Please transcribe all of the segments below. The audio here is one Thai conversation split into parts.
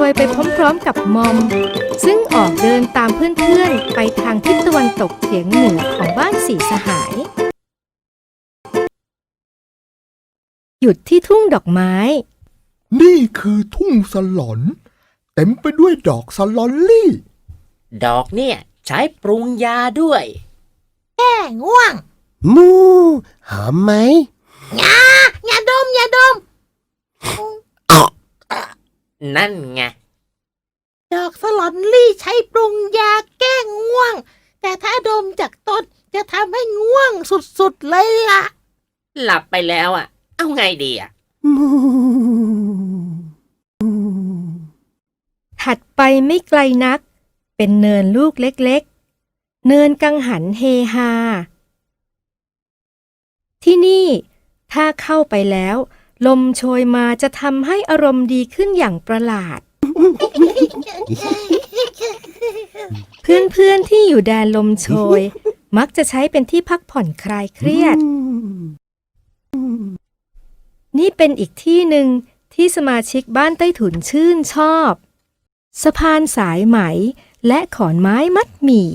ยไปพร้อมๆกับมอมซึ่งออกเดินตามเพื่อนๆไปทางทิศตะวันตกเฉียงเหนือของบ้านสีสหายหยุดที่ทุ่งดอกไม้นี่คือทุ่งสลอนเต็มไปด้วยดอกสลอนลี่ดอกเนี่ยใช้ปรุงยาด้วยแก้ง่วงมูหอมไหมอย่าดมนั่นไงดอกสลอนลี่ใช้ปรุงยาแก้ง่วงแต่ถ้าดมจากต้นจะทำให้ง่วงสุดๆเลยล่ะหลับไปแล้วอ่ะเอาไงดีอ่ะถัดไปไม่ไกลนักเป็นเนินลูกเล็กๆเนินกังหันเฮฮาที่นี่ถ้าเข้าไปแล้วลมโชยมาจะทำให้อารมณ์ดีขึ้นอย่างประหลาด เพื่อนๆที่อยู่แดนลมโชยมักจะใช้เป็นที่พักผ่อนคลายเครียดนี่เป็นอีกที่หนึ่งที่สมาชิกบ้านใต้ถุนชื่นชอบสะพานสายไหมและขอนไม้มัดหมี่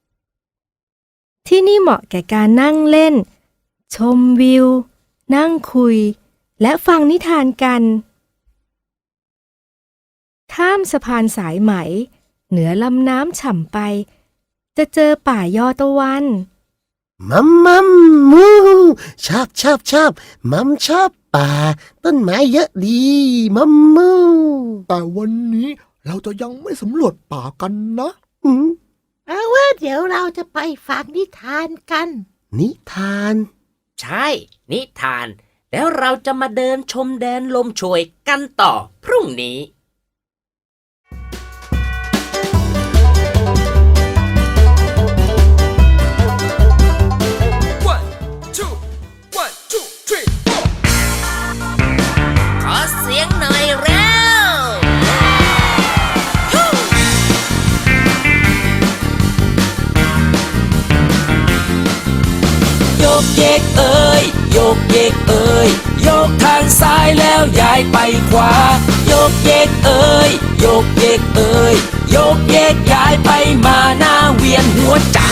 ที่นี่เหมาะแก่การนั่งเล่นชมวิวนั่งคุยและฟังนิทานกันข้ามสะพานสายไหมเหนือลำน้ำฉ่ำไปจะเจอป่ายอตะวันมัมมูชอบมัมชอบป่าต้นไม้เยอะดีมัมมูแต่วันนี้เราจะยังไม่สำรวจป่ากันนะเอาว่าเดี๋ยวเราจะไปฟังนิทานกันนิทานใช่นิทานแล้วเราจะมาเดินชมแดนลมโชยกันต่อพรุ่งนี้ ขอเสียงหน่อยแล้วโยกเยกเอ้ยโยกเยกเอ้ยโยกทางซ้ายแล้วย้ายไปขวาโยกเยกเอ้ยโยกเยกเอ้ยโยกเยกย้ายไปมาหน้าเวียนหัวจัง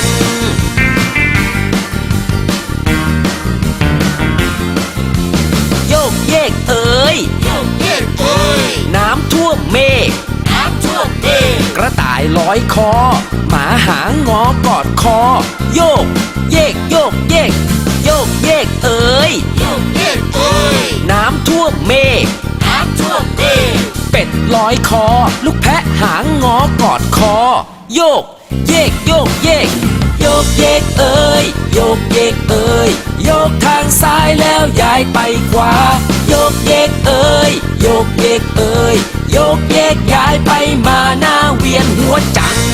โยกเยกเอ้ยโยกเยกเอ้ยน้ำท่วมเมฆน้ำท่วมเมฆกระต่ายลอยคอหมาหางอกอดคอโยกเยกโยกเยกโยกเยกเอ้ยโยกเยกเอ้ยน้ำท่วมเมฆน้ำท่วมเมฆเป็ดลอยคอลูกแพะหางงอกอดคอโยกเยกโยกเยกโยกเยกเอ้ยโยกเยกเอ้ยโยกทางซ้ายแล้วย้ายไปขวาโยกเยกเอ้ยโยกเยกเอ้ยโยกเยกย้ายไปมาหน้าเวียนหัวจัง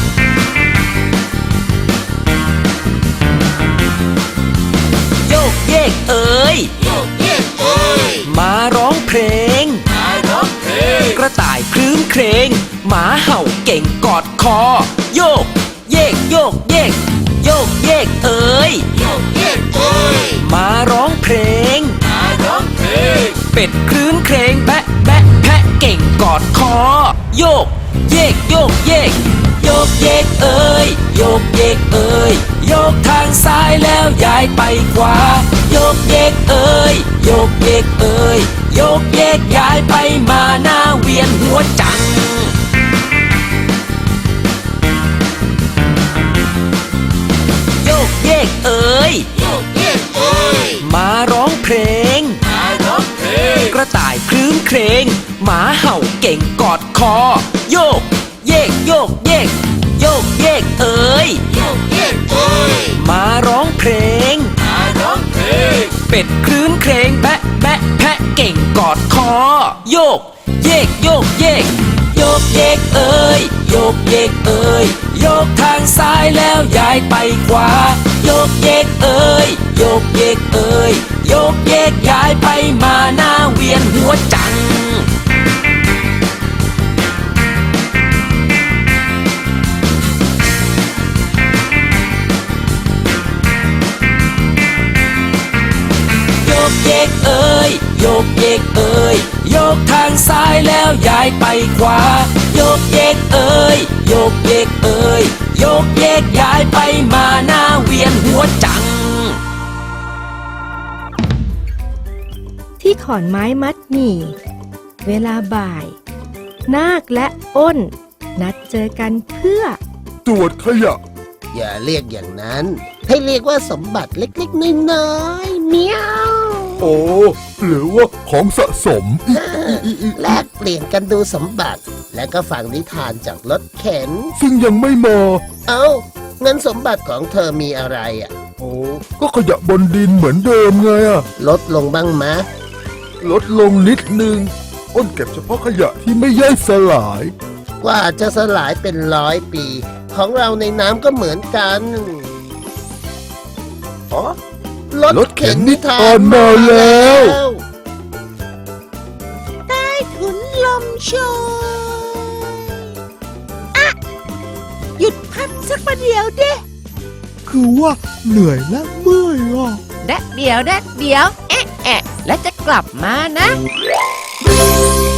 โยกเยกเอ้ยโยกเยกเอ้ยมาร้องเพลงกระต่ายคลื้นเครงหมาเห่าเก่งกอดคอโยกเยกโยกเยกโยกเยกเอ้ยโยกเยกเอ้ยมาร้องเพลงเป็ดคลื้นเครงแบะแบะแพะเก่งกอดคอโยกเยกโยกเยกโยกเยกเอ้ยโยกเยกเอ้ยโยกทางซ้ายแล้วย้ายไปขวาโยกเยกเอ้ยโยกเยกเอ้ยโยกเยกย้ายไปมาหน้าเวียนหัวจังโยกเยกเอ้ยโยกเยกเอ้ยมาร้องเพลงกระต่ายคลื้นเครงหมาเห่าเก่งกอดคอโยกเยกโยกเยกโยกเยกเอ้ยโยกเยกเอ้ยมาร้องเพลงเป็ดคลื้นเครงแบะแบะแพะเก่งกอดคอโยกเยกโยกเยกโยกเยกเอ้ยโยกเยกเอ้ยโยกทางซ้ายแล้วย้ายไปขวาโยกเยกเอ้ยโยกเยกเอ้ยโยกเยกย้ายไปมาหน้าเวียนหัวจังโยกเยกเอ้ยโยกเยกเอ้ยโยกทางซ้ายแล้วย้ายไปขวาโยกเยกเอ้ยโยกเยกเอ้ยโยกเยกย้ายไปมาหน้าเวียนหัวจังที่ขอนไม้มัดหมี่เวลาบ่าย นาคและอ้น นัดเจอกันเพื่อตรวจขยะอย่าเรียกอย่างนั้น ให้เรียกว่าสมบัติเล็กๆน้อยๆเมียวโอ้หรือว่าของสะสมแลกเปลี่ยนกันดูสมบัติ และก็ฟังนิทานจากรถเข็นซึ่งยังไม่มาเอ้าเงินสมบัติของเธอมีอะไรอ่ะโอ้ก็ขยะบนดินเหมือนเดิมไงอะลดลงบ้างมะลดลงนิดนึง อ้นเก็บเฉพาะขยะที่ไม่ย่อยสลายกว่าจะสลายเป็น100 ปี ของเราในน้ำก็เหมืมือนกันอ๋อรถเข็นนิทานมาแล้วใต้ถุนลมโชยอะหยุดพักสักประเดี๋ยวเด้คือว่าเหนื่อยและเมื่อยอ่ะแดดเดียว แอะแล้วจะกลับมานะ